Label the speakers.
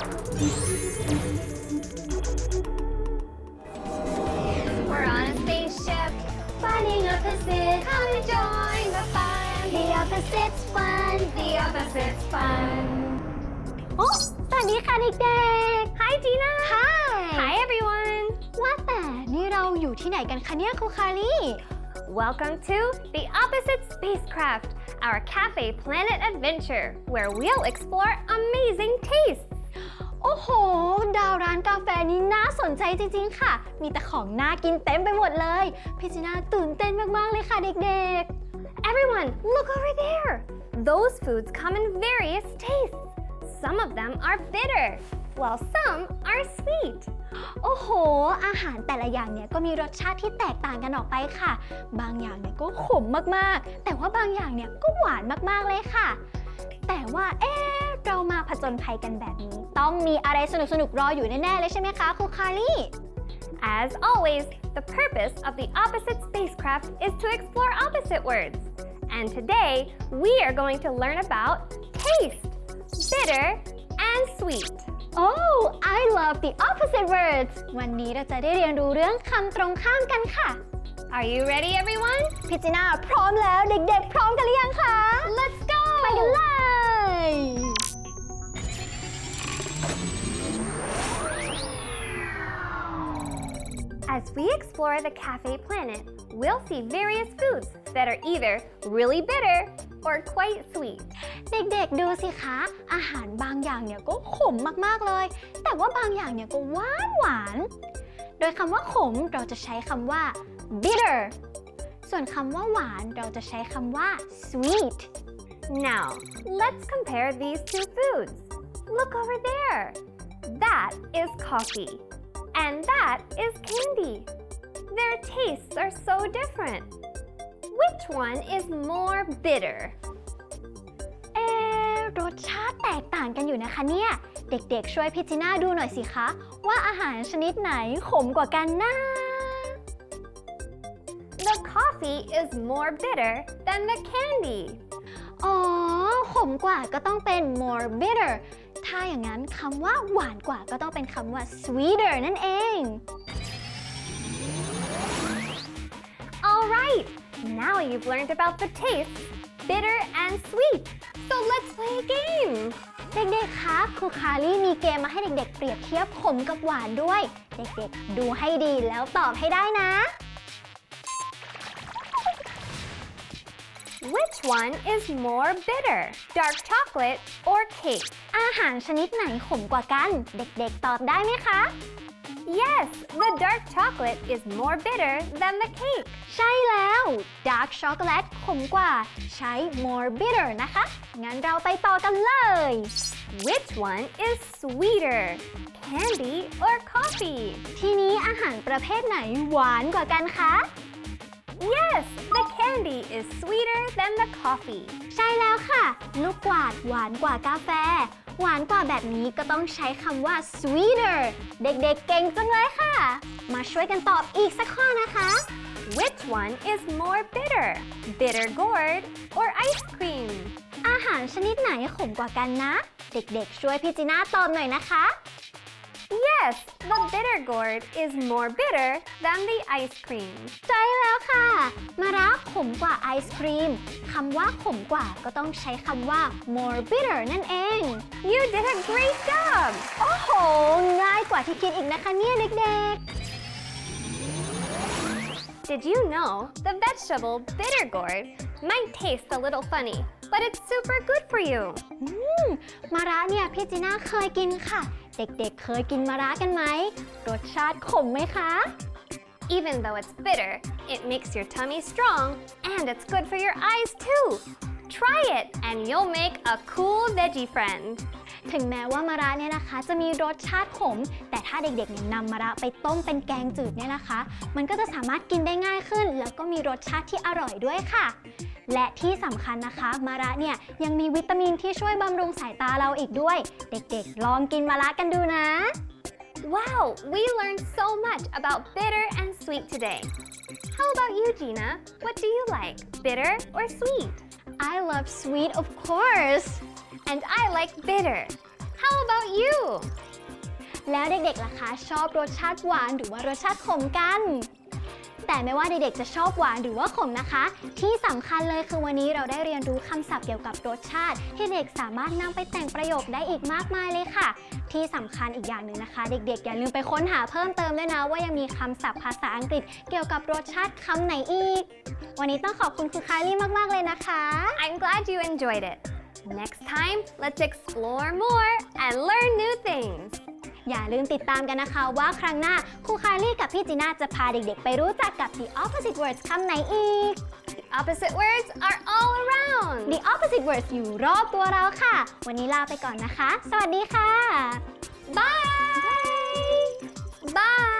Speaker 1: We're on a spaceship, finding opposites. Come and join the fun. The opposites fun. The opposites fun. โอ้สวัสดีค่ะเด็กๆ Hi Gina. Hi everyone. ว่าแต่นี่เราอยู่ที่ไหนกันคะเนี่ยครูคารี
Speaker 2: Welcome to the Opposite Spacecraft, our Cafe Planet adventure, where we'll explore amazing tastes.
Speaker 1: โอ้โหดาวร้านกาแฟนี้น่าสนใจจริงๆค่ะมีแต่ของน่ากินเต็มไปหมดเลยพี่จีน่าตื่นเต้นมากๆเลยค่ะเด็ก
Speaker 2: Everyone, look over there. Those foods come in various tastes. Some of them are bitter, while some are sweet.
Speaker 1: ๆโอ้โหอาหารแต่ละอย่างเนี่ยก็มีรสชาติที่แตกต่างกันออกไปค่ะบางอย่างเนี่ยก็ขมมากๆแต่ว่าบางอย่างเนี่ยก็หวานมากๆเลยค่ะแต่ว่าเรามาผจญภัยกันแบบนี้ต้องมีอะไรสนุกๆรออยู่แน่ๆเลยใช่ไหมคะครูคารี
Speaker 2: As always, the purpose of the Opposite Spacecraft is to explore opposite words. And today, we are going to learn about taste, bitter, and sweet.
Speaker 1: Oh I love the opposite words วันนี้เราจะได้เรียนรู้เรื่องคำตรงข้ามกันค่ะ
Speaker 2: Are you ready, everyone?
Speaker 1: พี่จีน่าพร้อมแล้วเด็กๆพร้อมกันหรือยังคะ
Speaker 2: Let's go!
Speaker 1: ไปกันเลย
Speaker 2: As we explore the Cafe Planet, we'll see various foods that are either really bitter or quite sweet.
Speaker 1: เด็กๆดูสิคะอาหารบางอย่างเนี่ยก็ขมมากๆเลยแต่ว่าบางอย่างเนี่ยก็หวานโดยคำว่าขมเราจะใช้คำว่า bitter ส่วนคำว่าหวานเราจะใช้คำว่า sweet
Speaker 2: Now, let's compare these two foods. Look over there. That is coffee, and that is candy. Their tastes are so different. Which one is more bitter?
Speaker 1: รสชาติแตกต่างกันอยู่นะคะเนี่ยเด็กๆช่วยพี่จีน่าดูหน่อยสิคะว่าอาหารชนิดไหนขมกว่ากันนะ
Speaker 2: The coffee is more bitter than the candy.
Speaker 1: อ๋อขมกว่าก็ต้องเป็น more bitter ถ้าอย่างนั้นคำว่าหวานกว่าก็ต้องเป็นคำว่า sweeter นั่นเอง
Speaker 2: All right, now you've learned about the tastes, bitter and sweet. So let's play a game.
Speaker 1: เด็กๆคะครูคารีมีเกมมาให้เด็กๆเปรียบเทียบขมกับหวานด้วยเด็กๆดูให้ดีแล้วตอบให้ได้นะ
Speaker 2: Which one is more bitter, dark chocolate or cake?
Speaker 1: อาหารชนิดไหนขมกว่ากันเด็กๆตอบได้ไหมคะ
Speaker 2: Yes, the dark chocolate is more bitter than the cake.
Speaker 1: ใช่แล้ว dark chocolate ขมกว่าใช้ more bitter นะคะงั้นเราไปต่อกันเลย
Speaker 2: Which one is sweeter, candy or coffee?
Speaker 1: ทีนี้อาหารประเภทไหนหวานกว่ากันคะ
Speaker 2: Yes, the candy is sweeter than the coffee.
Speaker 1: ใช่แล้วค่ะลูกกวาดหวานกว่ากาแฟหวานกว่าแบบนี้ก็ต้องใช้คำว่า sweeter เด็กๆเก่งจังเลยค่ะมาช่วยกันตอบอีกสักข้อนะคะ
Speaker 2: Which one is more bitter, bitter gourd or ice cream?
Speaker 1: อาหารชนิดไหนขมกว่ากันนะเด็กๆช่วยพี่จีน่าตอบหน่อยนะคะ
Speaker 2: Yes, the bitter gourd is more bitter than the ice cream.
Speaker 1: ใช่แล้วค่ะมะระขมกว่าไอศครีมคำว่าขมกว่าก็ต้องใช้คำว่า more bitter นั่นเอง
Speaker 2: You did a great job!
Speaker 1: โอ้โหง่ายกว่าที่คิดอีกนะคะเนี่ยเด็ก
Speaker 2: Did you know the vegetable bitter gourd might taste a little funny, but it's super good for you?
Speaker 1: ๆมะระเนี่ยพี่จีน่าเคยกินค่ะเด็กๆเคยกินมะระกันไหมรสชาติขมไหมคะ
Speaker 2: Even though it's bitter, it makes your tummy strong and it's good for your eyes too. Try it and you'll make a cool veggie friend.
Speaker 1: ถึงแม้ว่ามะระเนี่ยนะคะจะมีรสชาติขมแต่ถ้าเด็กๆเนี่ยนำมะระไปต้มเป็นแกงจืดเนี่ยนะคะมันก็จะสามารถกินได้ง่ายขึ้นแล้วก็มีรสชาติที่อร่อยด้วยค่ะและที่สำคัญนะคะมะระเนี่ยยังมีวิตามินที่ช่วยบำรุงสายตาเราอีกด้วยเด็กๆลองกินมะระกันดูนะ
Speaker 2: Wow, we learned so much about bitter and sweet today. How about you, Gina? What do you like, bitter or sweet?
Speaker 1: I love sweet of course
Speaker 2: And I like bitter. How about you?
Speaker 1: แล้วเด็กๆล่ะคะชอบรสชาติหวานหรือว่ารสชาติขมกัน แต่ไม่ว่าเด็กๆจะชอบหวานหรือว่าขมนะคะ ที่สำคัญเลยคือวันนี้เราได้เรียนรู้คำศัพท์เกี่ยวกับรสชาติที่เด็กสามารถนำไปแต่งประโยคได้อีกมากมายเลยค่ะ ที่สำคัญอีกอย่างหนึ่งนะคะ เด็กๆอย่าลืมไปค้นหาเพิ่มเติมด้วยนะว่ายังมีคำศัพท์ภาษาอังกฤษเกี่ยวกับรสชาติคำไหนอีก วันนี้ต้องขอบคุณครูคารี่มากๆเลยนะคะ
Speaker 2: I'm glad you enjoyed it. Next time, let's explore more and learn new things.
Speaker 1: อย่าลืมติดตามกันนะคะว่าครั้งหน้าครูคารี่กับพี่จีน่าจะพาเด็กๆไปรู้จักกับ the opposite words คำไหนอีก
Speaker 2: The opposite words are all around.
Speaker 1: the opposite words อยู่รอบตัวเราค่ะ วันนี้ลาไปก่อนนะคะ สวัสดีค่ะ
Speaker 2: Bye! Bye!